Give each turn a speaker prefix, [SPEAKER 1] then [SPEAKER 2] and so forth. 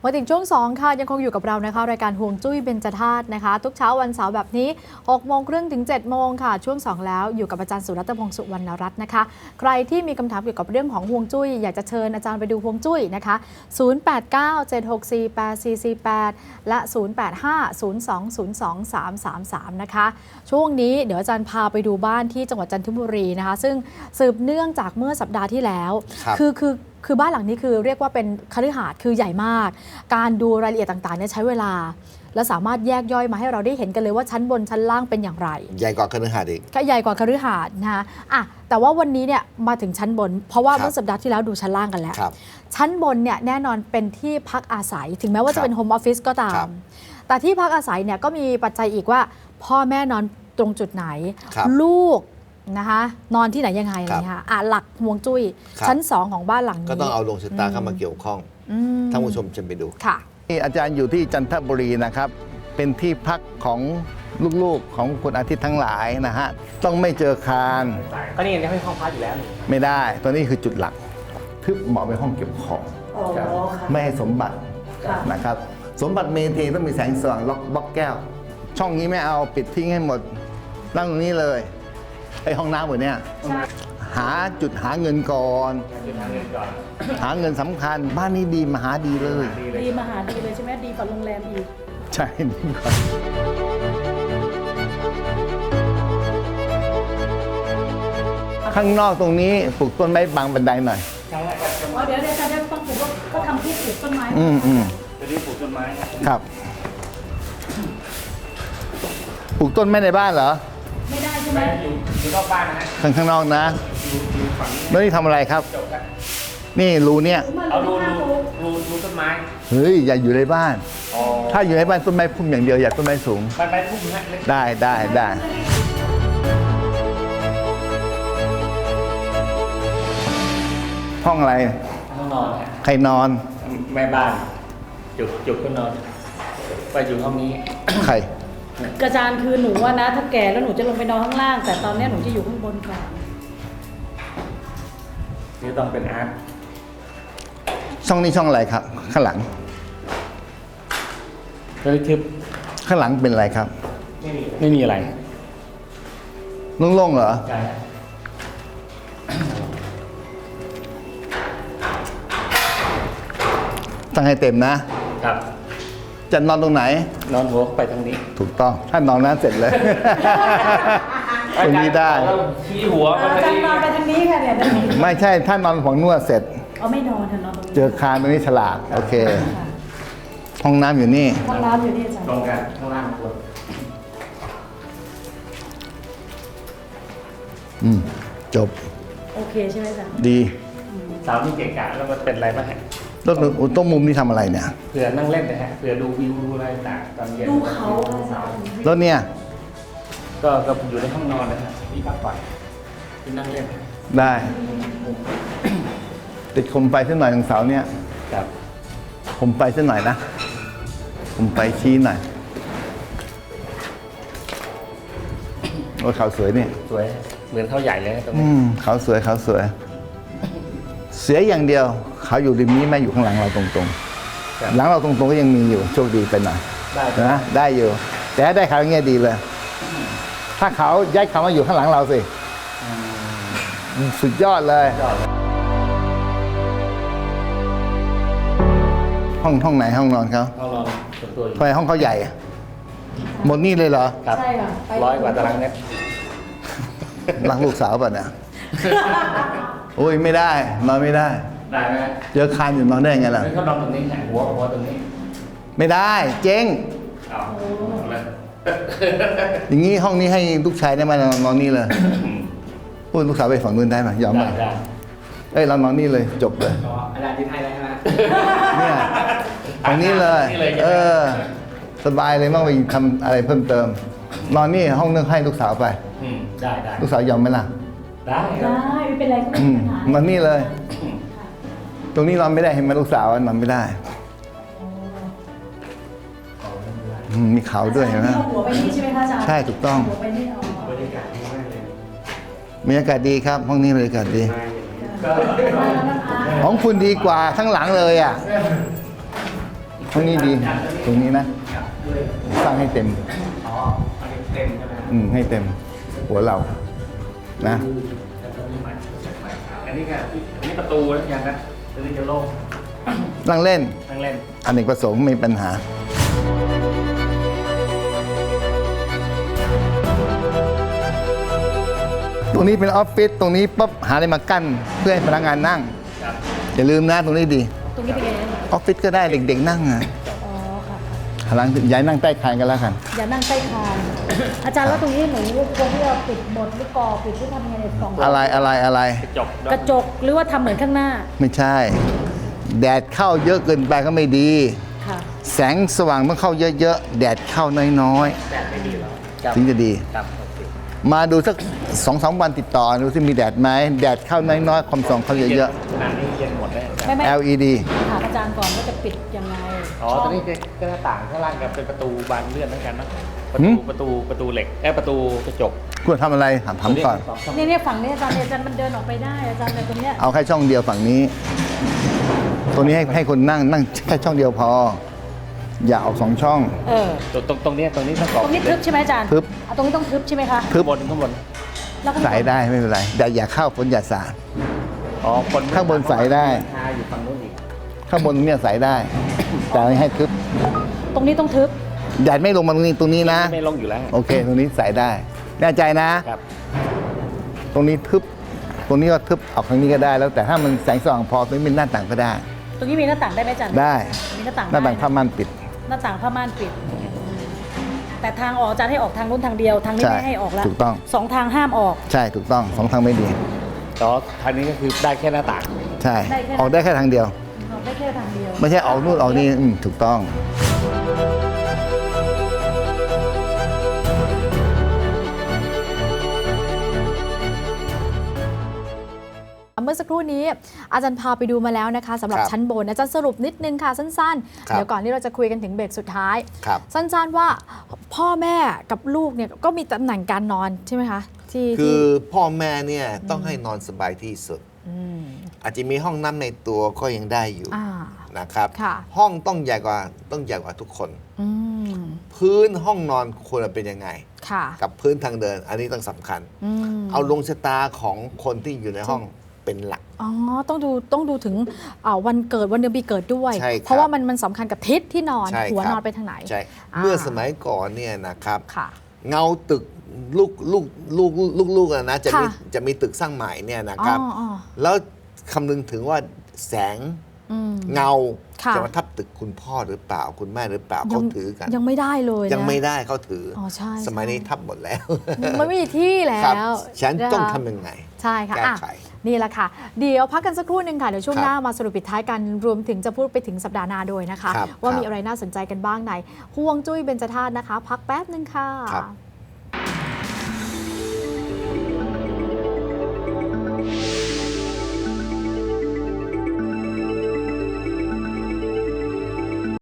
[SPEAKER 1] มาถึงช่วง2ค่ะยังคงอยู่กับเรานะคะรายการห่วงจุ้ยเบญจธาตุนะคะทุกเช้าวันเสาร์แบบนี้6:30 ถึง 7 โมงค่ะช่วง2แล้วอยู่กับอาจารย์สุรัตน์พงษ์สุวรรณรัตน์นะคะใครที่มีคำถามเกี่ยวกับเรื่องของห่วงจุ้ยอยากจะเชิญอาจารย์ไปดูห่วงจุ้ยนะคะ0897648448และ0850202333นะคะช่วงนี้เดี๋ยวอาจารย์พาไปดูบ้านที่จังหวัดจันทบุรีนะคะซึ่งสืบเนื่องจากเมื่อสัปดาห์ที่แล้วคือบ้านหลังนี้คือเรียกว่าเป็นคฤหาสน์คือใหญ่มากการดูรายละเอียดต่างๆเนี่ยใช้เวลาและสามารถแยกย่อยมาให้เราได้เห็นกันเลยว่าชั้นบนชั้นล่างเป็นอย่างไร
[SPEAKER 2] ใหญ่กว่าคฤหาสน์อีก
[SPEAKER 1] ก็ใหญ่กว่าคฤหาสน์นะคะแต่ว่าวันนี้เนี่ยมาถึงชั้นบนเพราะว่าเมื่อสัปดาห์ที่แล้วดูชั้นล่างกันแล้วชั้นบนเนี่ยแน่นอนเป็นที่พักอาศัยถึงแม้ว่าจะเป็นโฮมออฟฟิศก็ตามแต่ที่พักอาศัยเนี่ยก็มีปัจจัยอีกว่าพ่อแม่นอนตรงจุดไหนลูกนะคะนอนที่ไหนยังไงอะไรเงี้ยหลักฮวงจุ้ยชั้น2ของบ้านหลังนี้
[SPEAKER 2] ก็ต้องเอาดวงชะตาเข้ามาเกี่ยวข้องท่านผู้ชมจะไปดู
[SPEAKER 1] ค่ะ
[SPEAKER 3] อาจารย์อยู่ที่จันทบุรีนะครับเป็นที่พักของลูกๆของคุณอาทิตย์ทั้งหลายนะฮะต้องไม่เจอคาน
[SPEAKER 4] ก็นี่ยังให้ห้องพักอยู่แล้ว
[SPEAKER 3] ไม่ได้ตัวนี้คือจุดหลักทึบเหมาะเป็นห้องเก็บของไม่ให้สมบัตินะครับสมบัติเมเทต้องมีแสงสว่างล็อกบล็อกแก้วช่องนี้ไม่เอาปิดทิ้งให้หมดนั่งตรงนี้เลยไอห้องน้ำหมดเนี่ยหาจุดหาเงินก่อนหาเงินสำคัญบ้านนี้ดีมหาดีเลย
[SPEAKER 5] ดีมหาดีเลยใช่ไหมดีกว่าโรงแรมอีก
[SPEAKER 3] ใช่ดีกว่าข้างนอกตรงนี้ปลูกต้นไม้บังบันไดหน่อย
[SPEAKER 5] เดี๋ยวอาจารย์ต้องปลูกก็ทำที่ปลูกต้นไม้
[SPEAKER 4] จะได้ปลูกต้นไม้
[SPEAKER 3] ครับปลูกต้นไม้ในบ้านเหรอ
[SPEAKER 5] ไม่ได้ใช่ไหม
[SPEAKER 4] อยู่นอกบ้านนะฮะ
[SPEAKER 3] ข้างนอกนะแล้วนี่ทำอะไรครับนี่รูเนี่ย
[SPEAKER 4] เอารูต้นไม้
[SPEAKER 3] เฮ้ยอย่าอยู่ในบ้านถ้าอยู่ในบ้านต้นไม้พุ่มอย่างเดียวอย่าต้นไม้สูง
[SPEAKER 4] ไปพุ่มฮะ
[SPEAKER 3] ได้ห้องอะไร
[SPEAKER 4] ห้องนอน
[SPEAKER 3] ใครนอน
[SPEAKER 4] แม่บ้านจุกก็นอนไปอยู่ห้องนี้
[SPEAKER 3] ใคร
[SPEAKER 5] อาจารย์คือหนูว่านะถ้าแก่แล้วหนูจะลงไปนอนข้างล่างแต่ตอนนี้หนูจะอยู่ข้างบนก่อน
[SPEAKER 4] นี่ต้องเป็นอาร์ต
[SPEAKER 3] ช่องนี้ช่องอะไรครับข้างหลัง
[SPEAKER 4] ทึบ
[SPEAKER 3] ข้างหลังเป็นอะไรครับ
[SPEAKER 4] ไม่มีอะไร
[SPEAKER 3] โล่งๆเหรอ
[SPEAKER 4] ใช่
[SPEAKER 3] ตั้งให้เต็มนะครับจะนอนตรงไหน
[SPEAKER 4] นอนหัวไปทางนี้
[SPEAKER 3] ถูกต้องถ้านอนนั้นเสร็จเลยตรงนี้ได้
[SPEAKER 4] ชี้หัว
[SPEAKER 5] อาจารย์นอนไปทางนี้ค่ะเนี่ย
[SPEAKER 3] ไม่ใช่ถ้านอนฝั่งนวดเสร็จ
[SPEAKER 5] ไม่นอนนอนตรงนี้
[SPEAKER 3] เจอคานตรงนี้ฉลาดโอเคห้องน้ำอยู่นี่
[SPEAKER 5] ห้องน้ำอยู่นี่อาจารย์
[SPEAKER 4] ตรงกันข้างล่างบ
[SPEAKER 3] นจบ
[SPEAKER 5] โอเคใช่ไหมอาจารย์
[SPEAKER 3] ดี
[SPEAKER 4] สาวที่เกะกะแล้วมันเป็นอะไรบ้าง
[SPEAKER 3] รถต้นมุมนี่ทำอะไรเนี่ย
[SPEAKER 4] เผื่อนั่งเล่นนะฮะเผื่อดูวิวดูอะไรต่างตอนเย็น
[SPEAKER 5] ดูเขา
[SPEAKER 3] รถเนี่ย
[SPEAKER 4] ก็อยู่ในห้องนอนนะฮะที่พักผ่อนที่นั่งเล่น
[SPEAKER 3] ได้ติดคมไฟสักหน่อยตรงเสาเนี่ย
[SPEAKER 4] ครับ
[SPEAKER 3] คมไฟสักหน่อยนะคมไฟชี้หน่อยโอ้เขาสวยเนี่ย
[SPEAKER 4] สวยเหมือนเขาใหญ่เลยตรงนี้
[SPEAKER 3] เขาสวยเสียอย่างเดียวเขาอยู่ริมนี้แม่อยู่ข้างหลังเราตรงๆหลังเราตรงๆก็ยังมีอยู่โชคดีไปหน่อยนะได้อยู่แต่ได้เขาอย่างเงี้ยดีเลยถ้าเขาย้ายเขามาอยู่ข้างหลังเราสิสุดยอดเลยห้องไหนห้องนอนเขา
[SPEAKER 4] ห้องนอนส่วนตัว
[SPEAKER 3] ทำไมห้องเขาใหญ่หมดนี่เลยเหรอ
[SPEAKER 4] ครับ
[SPEAKER 5] ใช่ค่ะ
[SPEAKER 4] 100 กว่าตารางเมตร
[SPEAKER 3] รักลูกสาวป่ะเนี่ยโอ้ยไม่ได้นอนไม่ได้
[SPEAKER 4] ได้ไหม
[SPEAKER 3] เจอคานอยู่นอนได้ไงล่ะ
[SPEAKER 4] เขานอนตรงนี้หัวตรงนี้
[SPEAKER 3] ไม่ได้เจ๊งอย่างนี้ห้องนี้ให้ลูกชายได้มานอนนี่เลยพูดลูกสาวไปฝั่งนู้นได้ไหมยอมไหมเอ้ยเรานอนนี่เลยจบเลย
[SPEAKER 4] อาจารย์ที่ไทยได้ไหม
[SPEAKER 3] เนี่ยฝั่งนี้เลยสบายเลยไม่ต้องไปทำอะไรเพิ่มเติมนอนนี่ห้องนึงให้ลูกสาวไป
[SPEAKER 4] ได้
[SPEAKER 3] ลูกสาวยอมไหมล่ะ
[SPEAKER 5] ได้ไม่เป็นไรก็ไม่เป็นปัญหาน
[SPEAKER 3] อนนี่เลยตรงนี้นอนไม่ได้เห็นไหมลูกสาวนอนไม่ได้มีเขาด้วยเห็นไหม
[SPEAKER 5] หัวไปนี่ใช่ไหมคะอาจารย์
[SPEAKER 3] ใช่ถูกต้อง
[SPEAKER 5] หัวไปนี่
[SPEAKER 4] บรรยากาศดีมากเลย
[SPEAKER 3] บรรยากาศดีครับห้องนี้บรรยากาศดีของคุณดีกว่าทั้งหลังเลยอ่ะตรงนี้ดีตรงนี้นะสร้างให้เต็ม
[SPEAKER 4] อ๋ออันนี้เต็มใช่ไหมครับ
[SPEAKER 3] ให้เต็มหัวเรานะ
[SPEAKER 4] อันนี้ค่ะอันนี้ประตูแล้วยังนะตัวนี้จะโล่ง
[SPEAKER 3] นั่งเล่น
[SPEAKER 4] นั่งเล่น
[SPEAKER 3] อเนกประสงค์ไม่มีปัญหา ตรงนี้เป็นออฟฟิศตรงนี้ปั๊บหาอะไรมากั้นเพื่อให้พนักงานนั่ง
[SPEAKER 4] ครับ
[SPEAKER 3] อย่าลืมนะตรงนี้ดี
[SPEAKER 5] ตรงนี้เป็นไง
[SPEAKER 3] ออฟฟิศก็ได้เด็กๆนั่งอ่ะ
[SPEAKER 5] อ๋อค่ะ
[SPEAKER 3] หลังย้ายนั่งใต้คานกันแล้วกัน
[SPEAKER 5] อย่านั่งใต้คานอาจารย์แล้วตรงนี้หนูควรที่จะปิดหมดหรือก่อปิดหรือทำยังไงในสอง
[SPEAKER 3] อะไร
[SPEAKER 4] กระจก
[SPEAKER 5] กระจกหรือว่าทำเหมือนข้างหน้า
[SPEAKER 3] ไม่ใช่ แดดเข้าเยอะเกินไปก็ไม่ดี
[SPEAKER 5] ค่ะ
[SPEAKER 3] แสงสว่างต้องเข้าเยอะๆแดดเข้าน้อย
[SPEAKER 4] แดดไม่ดีแล้ว
[SPEAKER 3] ๆถึงจะดี
[SPEAKER 4] ครับโอเค
[SPEAKER 3] มาดูสัก2-3 วันติดต่อดูที่มีแดดไหมแดดเข้าน้อยๆความส่องเข้าเยอะ
[SPEAKER 4] ขนาดนี้เย็นหมดเลย
[SPEAKER 5] ไม่
[SPEAKER 3] ๆ LED
[SPEAKER 5] ถามอาจารย์ก่อนว่าจะปิดยังไง
[SPEAKER 4] อ๋อตอนนี้ก็หน้าต่างข้างล่างกับเป็นประตูบานเลื่อนเหมือนกันนะประ
[SPEAKER 3] หื
[SPEAKER 4] ตู
[SPEAKER 3] ม
[SPEAKER 4] ประตูเหล็กประตูกระจก
[SPEAKER 3] คุณทำอะไรถามก่อน
[SPEAKER 4] สงช่ง
[SPEAKER 5] เนี่ยฝั่งนี้อาจารย์มันเดินออกไปได้อาจารย์แต่ตรงเนี้ย
[SPEAKER 3] เอาแค่ช่องเดียวฝั่งนี้ ตัวนี้ให้คนนั่งแค่ช่องเดียวพอ อย่าเอา2 ช่อง
[SPEAKER 5] เออ
[SPEAKER 4] ตรงนี้ต้องกรอบ
[SPEAKER 5] ตรงนี้ทึบใช่ไหมอาจารย์
[SPEAKER 3] ทึบ
[SPEAKER 5] อ่ะตรงนี้ต้องทึบใช่ไหมคะ
[SPEAKER 3] ทึบ
[SPEAKER 4] ข้างบน
[SPEAKER 5] แล้วก็
[SPEAKER 3] ใส่ได้ไม่เป็นไรแต่อย่าเข้าฝนอย่าสาด
[SPEAKER 4] อ๋อคน
[SPEAKER 3] ข้างบนใส่ได้
[SPEAKER 4] ทาอยู่ฝั่งนู้นอีก
[SPEAKER 3] ข้างบนเนี่ยใส่ได้ แต่ให้ทึบ
[SPEAKER 5] ตรงนี้ต้องทึบ
[SPEAKER 3] แดดไม่ลงมาตรงนี้นะ
[SPEAKER 4] ไม่ลงอยู่แล้ว
[SPEAKER 3] โอเค ตรงนี้ใส่ได้แน่ใจนะ
[SPEAKER 4] ครับ
[SPEAKER 3] ตรงนี้ทึบ ตรงนี้ก็ทึบออกทางนี้ก็ได้ แล้วแต่ถ้ามันแสงสว่างพอตรงนี้เป็นหน้าต่างก็ได้
[SPEAKER 5] ตรงนี้มีหน้าต่างได้ไหมอาจารย์
[SPEAKER 3] ได้
[SPEAKER 5] มีหน้าต่าง
[SPEAKER 3] หน้าต่าง
[SPEAKER 5] ได้
[SPEAKER 3] ผ้าม่านปิด
[SPEAKER 5] หน้าต่างผ้าม่านปิด แต่ทางออกอาจารย์ให้ออกทางนู้นทางเดียวทางนี้
[SPEAKER 3] ใช่
[SPEAKER 5] ไม่ให้ออกแล้ว
[SPEAKER 3] ถูกต้อง
[SPEAKER 5] 2 ทางห้ามออก
[SPEAKER 3] ใช่ถูกต้อง2 ทางไม่ดี
[SPEAKER 4] แต่ว่าทางนี้ก็คือได้แค่หน้าต่าง
[SPEAKER 3] ใช่
[SPEAKER 5] ได้แค่
[SPEAKER 3] ออกได้แค่ทางเดียว
[SPEAKER 5] ออกได้แค่ทางเดียว
[SPEAKER 3] ไม่ใช่ออกนู่นออกนี่ถูกต้อง
[SPEAKER 1] เมื่อสักครู่นี้อาจารย์พาไปดูมาแล้วนะคะสำหรับ
[SPEAKER 2] ครับ
[SPEAKER 1] ชั้นบนอาจารย์สรุปนิดนึงค่ะสั้นๆ
[SPEAKER 2] ครับ
[SPEAKER 1] เดี๋ยวก่อนที่เราจะคุยกันถึงเบรกสุดท้าย
[SPEAKER 2] ครับ
[SPEAKER 1] สั้นๆว่าพ่อแม่กับลูกเนี่ยก็มีตำแหน่งการนอนใช่ไหมคะที่
[SPEAKER 2] คือพ่อแม่เนี่ยต้องให้นอนสบายที่สุด
[SPEAKER 1] ม
[SPEAKER 2] อาจจะมีห้องน้ำในตัวก็ยังได้อยู่
[SPEAKER 1] อ่า
[SPEAKER 2] นะครับ
[SPEAKER 1] ค่ะ
[SPEAKER 2] ห้องต้องใหญ่กว่าทุกคน
[SPEAKER 1] อืม
[SPEAKER 2] พื้นห้องนอนควรจะเป็นยังไง
[SPEAKER 1] ค่ะ
[SPEAKER 2] กับพื้นทางเดิน อันนี้ต้องสำคัญ
[SPEAKER 1] อืม
[SPEAKER 2] เอาลงชะตาของคนที่อยู่ในห้องเป็นหลัก
[SPEAKER 1] อ๋อต้องดูถึงวันเกิดวันเดือนปีเกิดด้วย
[SPEAKER 2] ใช่ครับ
[SPEAKER 1] เพราะว่ามันสำคัญกับทิศที่นอน
[SPEAKER 2] ใช่
[SPEAKER 1] หัว
[SPEAKER 2] ครับ
[SPEAKER 1] นอนไปทางไหน
[SPEAKER 2] ใช่
[SPEAKER 1] อ่า
[SPEAKER 2] เมื่อสมัยก่อนเนี่ยนะครับ
[SPEAKER 1] ค่ะ
[SPEAKER 2] เงาตึกลูกนะจะมี
[SPEAKER 1] ค่ะ
[SPEAKER 2] จะมีตึกสร้างใหม่เนี่ยนะครับ
[SPEAKER 1] อ๋อ
[SPEAKER 2] แล้วคำนึงถึงว่าแสง
[SPEAKER 1] อืม
[SPEAKER 2] เงา
[SPEAKER 1] ค่ะ
[SPEAKER 2] จะมาทับตึกคุณพ่อหรือเปล่าคุณแม่หรือเปล่า
[SPEAKER 1] ยั
[SPEAKER 2] เขาถือกัน
[SPEAKER 1] ยังไม่ได้เลยนะ
[SPEAKER 2] ยังไม่ได้เขาถืออ
[SPEAKER 1] ใช่
[SPEAKER 2] สมัย
[SPEAKER 1] ใช่
[SPEAKER 2] นี้ทับหมดแล้ว
[SPEAKER 1] มันไม่มีที่แล้
[SPEAKER 2] ครับ
[SPEAKER 1] ว
[SPEAKER 2] ฉันต้อง
[SPEAKER 1] นะคะ
[SPEAKER 2] ทำยังไง
[SPEAKER 1] ใช่ค่ะ
[SPEAKER 2] แก้
[SPEAKER 1] อ่ะ
[SPEAKER 2] ไข
[SPEAKER 1] นี่แหละค่ะ เดี๋ยวพักกันสักครู่หนึ่งค่ะ เดี๋ยวช่วง
[SPEAKER 2] ครับ
[SPEAKER 1] หน้ามาสรุปปิดท้ายกัน รวมถึงจะพูดไปถึงสัปดาห์หน้าด้วยนะคะ
[SPEAKER 2] ครับ
[SPEAKER 1] ว่า
[SPEAKER 2] ครับ
[SPEAKER 1] มีอะไรน่าสนใจกันบ้างในห่วงจุ้ยเบญจธาตุนะคะ พักแป๊บหนึ่งค่ะ
[SPEAKER 2] ครับ